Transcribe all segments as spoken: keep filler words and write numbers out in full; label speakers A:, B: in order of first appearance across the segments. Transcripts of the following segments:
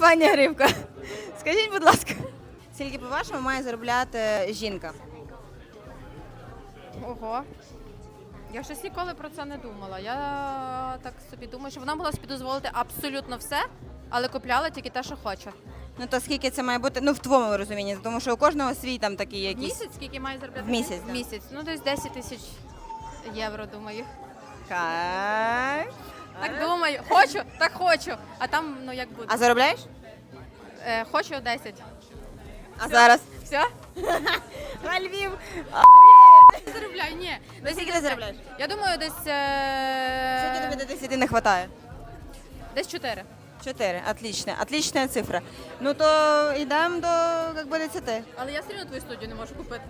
A: Пані Гривко, скажіть, будь ласка, скільки, по-вашому, має заробляти жінка?
B: Ого. Я щось ніколи про це не думала. Я так собі думаю, що вона могла собі дозволити абсолютно все, але купляла тільки те, що хоче.
A: Ну то скільки це має бути, ну в твоєму розумінні, тому що у кожного свій там такий
B: В
A: якийсь.
B: місяць скільки має заробляти?
A: В місяць,
B: В
A: да.
B: місяць. Ну, десь десять тисяч євро, думаю.
A: Кайф.
B: Так думаю. Хочу, так хочу. А там, ну як буде.
A: А заробляєш?
B: Е, хочу десять.
A: А зараз?
B: Все?
A: На Львів.
B: Заробляю, ні.
A: Ну, скільки ти заробляєш?
B: Я думаю, десь...
A: Скільки тобі
B: Е...
A: до десяти не вистачає?
B: Десь чотири.
A: Чотири. Отлично. Отлична цифра. Ну то йдемо до, як би, десяти.
B: Але я все одно твою студію не можу купити.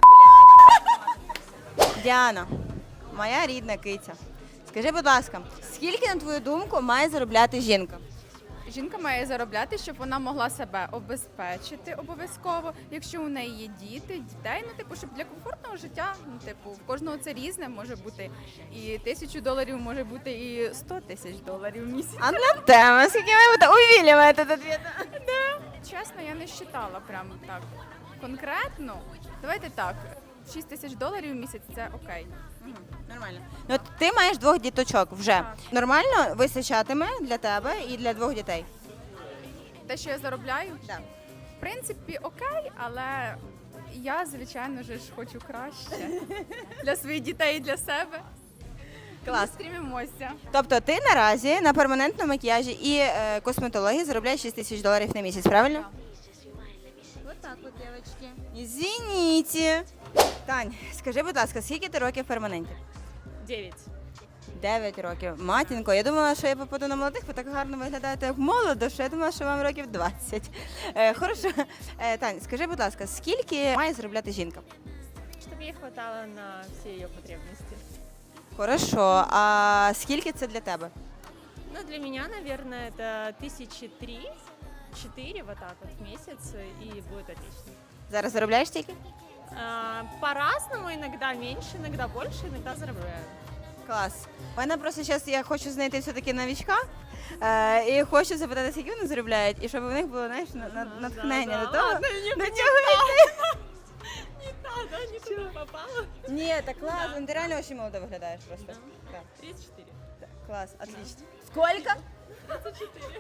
A: Діана, моя рідна киця. Скажи, будь ласка, скільки, на твою думку, має заробляти жінка?
C: Жінка має заробляти, щоб вона могла себе обезпечити обов'язково. Якщо у неї є діти, дітей, ну типу, щоб для комфортного життя, ну типу, в кожного це різне може бути і тисячу доларів, може бути і сто тисяч доларів в місяць.
A: А на тему, скільки має бути? Увілюємо этот ответ.
C: Чесно, я не вважала прям так конкретно. Давайте так, шість тисяч доларів в місяць це окей.
A: Нормально. Ну, от ти маєш двох діточок вже.
C: Так.
A: Нормально вистачатиме для тебе і для двох дітей?
C: Те, що я заробляю,
A: Так.
C: в принципі, окей, але я, звичайно ж, хочу краще для своїх дітей і для себе.
A: Клас.
C: Стрімімося.
A: Тобто ти наразі на перманентному макіяжі і е, косметології заробляєш шість тисяч доларів на місяць, правильно?
C: Так.
A: Вот так от, дівчатки. Извините. Тань, скажи, будь ласка, скільки ти років в перманенті?
D: Девять.
A: Дев'ять років. Матінко, я думала, що я попаду на молодих, ви так гарно виглядаєте як молодо, що я думала, що вам років двадцять. Е, хорошо. Е, Тань, скажи, будь ласка, скільки має заробляти жінка?
D: Чтобы ей хватало на все ее потребности.
A: Хорошо. А скільки це для тебе?
D: Ну, для меня, наверное, это тысячи три, четыре вот так вот в месяц, и будет отлично.
A: Зараз заробляєш тільки?
D: А, по-разному, иногда меньше, иногда больше, иногда заробляю.
A: Клас. У мене просто зараз я хочу знайти все-таки новичка, е, і хочу запитати, скільки вони заробляють, і щоб у них було, знаєш, на- на- натхнення
D: да,
A: до того.
D: ладно, не-
A: до
D: не
A: чого йти.
D: Не надо, не туда попала.
A: Ні, так клас, ну ти реально дуже молодо виглядаєш просто. Так,
D: тридцать четыре.
A: так, клас, отлично. Сколько?
D: тридцать четыре.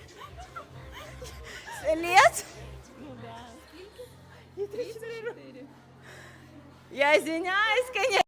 A: Лет?
D: Ну да.
A: Я извиняюсь, конечно.